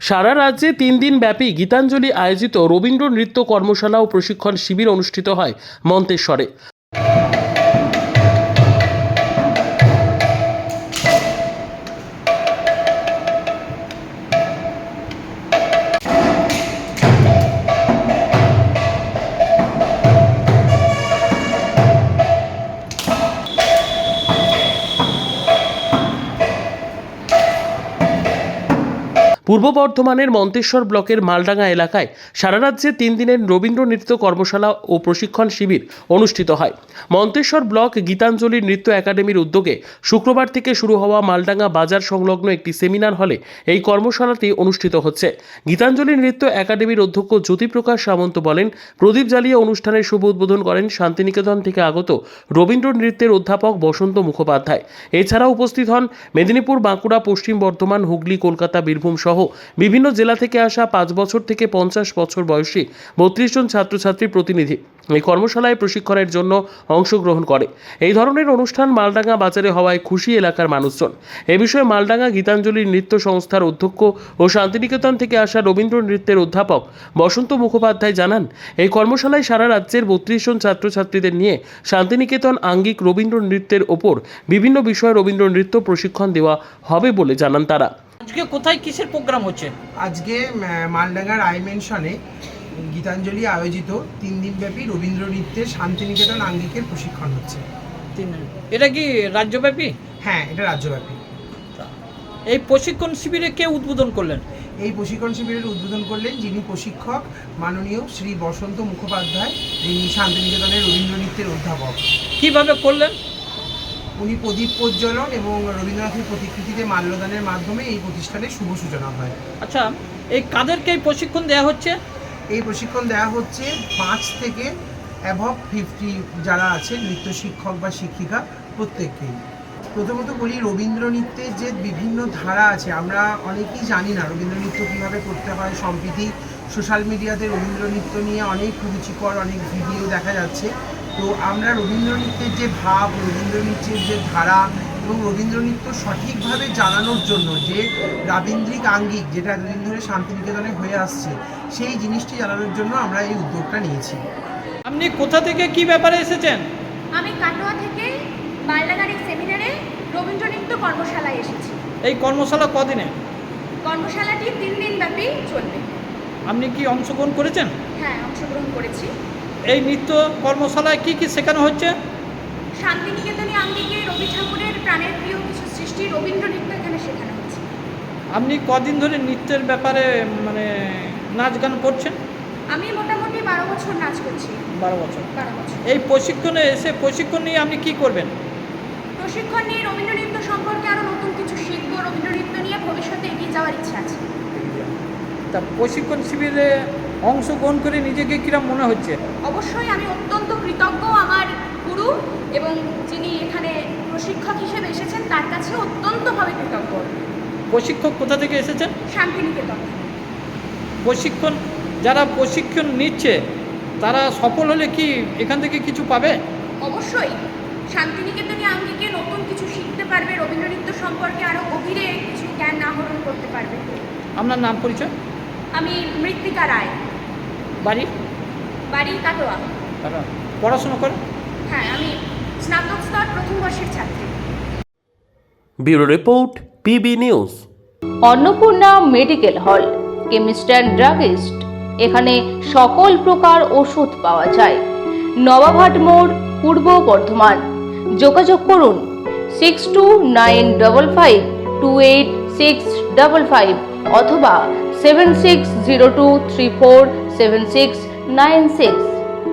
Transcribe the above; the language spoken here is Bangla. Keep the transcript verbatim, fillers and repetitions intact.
সারা রাজ্যে তিন দিন ব্যাপী গীতাঞ্জলি আয়োজিত রবীন্দ্র নৃত্য কর্মশালা ও প্রশিক্ষণ শিবির অনুষ্ঠিত হয় মন্তেশ্বরে। পূর্ব বর্ধমানের মন্তেশ্বর ব্লকের মালডাঙ্গা এলাকায় সারা রাজ্যে তিন দিনের রবীন্দ্র নৃত্য কর্মশালা ও প্রশিক্ষণ শিবির অনুষ্ঠিত হয়। মন্তেশ্বর ব্লক গীতাঞ্জলি নৃত্য একাডেমির উদ্যোগে শুক্রবার থেকে শুরু হওয়া মালডাঙ্গা বাজার সংলগ্ন একটি সেমিনার হলে এই কর্মশালাটি অনুষ্ঠিত হচ্ছে। গীতাঞ্জলি নৃত্য একাডেমির অধ্যক্ষ জ্যোতিপ্রকাশ সামন্ত বলেন, প্রদীপ জ্বালিয়ে অনুষ্ঠানের শুভ উদ্বোধন করেন শান্তিনিকেতন থেকে আগত রবীন্দ্র নৃত্যের অধ্যাপক বসন্ত মুখোপাধ্যায়। এছাড়া উপস্থিত হন মেদিনীপুর, বাঁকুড়া, পশ্চিম বর্ধমান, হুগলি, কলকাতা, বীরভূম সহ বিভিন্ন জেলা থেকে আসা পাঁচ বছর থেকে পঞ্চাশ বছর বয়সী বত্রিশ জন ছাত্রছাত্রী প্রতিনিধি এই কর্মশালায় প্রশিক্ষণের জন্য অংশগ্রহণ করে। এই ধরনের অনুষ্ঠান মালডাঙ্গা বাজারে হওয়ায় খুশি এলাকার মানুষজন। এ বিষয়ে মালডাঙ্গা গীতাঞ্জলি নৃত্য সংস্থার অধ্যক্ষ ও শান্তিনিকেতন থেকে আসা রবীন্দ্র নৃত্যের অধ্যাপক বসন্ত মুখোপাধ্যায় জানান, এই কর্মশালায় সারা রাজ্যের বত্রিশ জন ছাত্রছাত্রীদের নিয়ে শান্তিনিকেতন আঙ্গিক রবীন্দ্র নৃত্যের ওপর বিভিন্ন বিষয়ে রবীন্দ্র নৃত্য প্রশিক্ষণ দেওয়া হবে বলে জানান তারা। আজকে কোথায় কিসের প্রোগ্রাম হচ্ছে? আজকে মালডাঙ্গার আই মেনশনে গীতাঞ্জলি আয়োজিত তিন দিনব্যাপী রবীন্দ্র নৃত্যের শান্তিনিকেতন আঙ্গিকের প্রশিক্ষণ হচ্ছে। তিন দিন। এটা কি রাজ্যব্যাপী? হ্যাঁ, এটা রাজ্যব্যাপী। এই প্রশিক্ষণ শিবিরে কে উদ্বোধন করলেন? এই প্রশিক্ষণ শিবিরের উদ্বোধন করলেন যিনি প্রশিক্ষক মাননীয় শ্রী বসন্ত মুখোপাধ্যায়, যিনি শান্তিনিকেতনের রবীন্দ্র নৃত্যের অধ্যাপক। কিভাবে করলেন? উনি প্রদীপ প্রজ্বলন এবং রবীন্দ্রনাথের প্রতিকৃতিতে মাল্যদানের মাধ্যমে এই প্রতিষ্ঠানের শুভ সূচনা হয়। আচ্ছা, এই কাদেরকে এই প্রশিক্ষণ দেওয়া হচ্ছে? এই প্রশিক্ষণ দেওয়া হচ্ছে পাঁচ থেকে অ্যাভব ফিফটি যারা আছে নৃত্য শিক্ষক বা শিক্ষিকা প্রত্যেককেই। প্রথমত বলি, রবীন্দ্র নৃত্যের যে বিভিন্ন ধারা আছে আমরা অনেকেই জানি না রবীন্দ্র নৃত্য কীভাবে করতে হয়। সম্প্রতি সোশ্যাল মিডিয়াতে রবীন্দ্র নৃত্য নিয়ে অনেক রুচিকর অনেক ভিডিও দেখা যাচ্ছে। তো আমরা রবীন্দ্র নৃত্যের যে ভাব, রবীন্দ্র নৃত্যের যে ধারা এবং রবীন্দ্র নৃত্য সঠিকভাবে জানানোর জন্য যে রাবীন্দ্রিক আঙ্গিক যেটা এতদিন ধরে শান্তিনিকেতনে হয়ে আসছে, সেই জিনিসটি জানানোর জন্য আমরা এই উদ্যোগটা নিয়েছি। আপনি কোথা থেকে কি ব্যাপারে এসেছেন? আমি কাটোয়া থেকে মালডাঙ্গার এই সেমিনারে রবীন্দ্র নৃত্য কর্মশালায় এসেছি। এই কর্মশালা কদিনে? কর্মশালাটি তিন দিন ব্যাপী চলবে। আপনি কি অংশগ্রহণ করেছেন? হ্যাঁ, অংশগ্রহণ করেছি। এই নৃত্য কর্মশালায় কি কি শেখানো হচ্ছে? শান্তিনিকেতনী আঙ্গিকে রবি ঠাকুরের প্রাণের প্রিয় কিছু সৃষ্টি রবীন্দ্র নৃত্য এখানে শেখানো হচ্ছে। আপনি কদিন ধরে নৃত্যের ব্যাপারে মানে নাচ গান করছেন? আমি মোটামুটি বারো বছর নাচ করছি। বারো বছর। বারো বছর। এই প্রশিক্ষণে এসে প্রশিক্ষণ নিয়ে আপনি কি করবেন? প্রশিক্ষণ নিয়ে রবীন্দ্র নৃত্য সম্পর্কে আরও নতুন কিছু শিখবো। রবীন্দ্র নৃত্য নিয়ে ভবিষ্যতে এগিয়ে যাওয়ার ইচ্ছা আছে। তা প্রশিক্ষণ শিবিরে অংশগ্রহণ করে নিজেকে কিরম মনে হচ্ছে? অবশ্যই আমি অত্যন্ত কৃতজ্ঞ আমার গুরু এবং যিনি এখানে প্রশিক্ষক হিসেবে এসেছেন তার কাছে অত্যন্তভাবে কৃতজ্ঞ। প্রশিক্ষক কোথা থেকে এসেছেন? শান্তিনিকেতন। প্রশিক্ষণ যারা প্রশিক্ষণ নিচ্ছে তারা সফল হলে কি এখান থেকে কিছু পাবে? অবশ্যই শান্তিনিকেতনী আঙ্গিকে নতুন কিছু শিখতে পারবে, রবীন্দ্র নৃত্য সম্পর্কে আরও গভীরে কিছু জ্ঞান আহরণ করতে পারবে। আপনার নাম পরিচয়? আমি মৃত্তিকা রায়। বাড়ি? বাড়ি কাটোয়া। পড়াশোনা করেন? হ্যাঁ, আমি স্নাতক স্তর প্রথম বর্ষের ছাত্রী। Bureau report, PB news. Annapurna medical hall, chemist and druggist. এখানে সকল প্রকার ওষুধ পাওয়া যায়। নবাবহাট মোড়, পূর্ব বর্ধমান। যোগাযোগ করুন six two nine double five two eight six double five অথবা seven six zero two three four seven six nine six.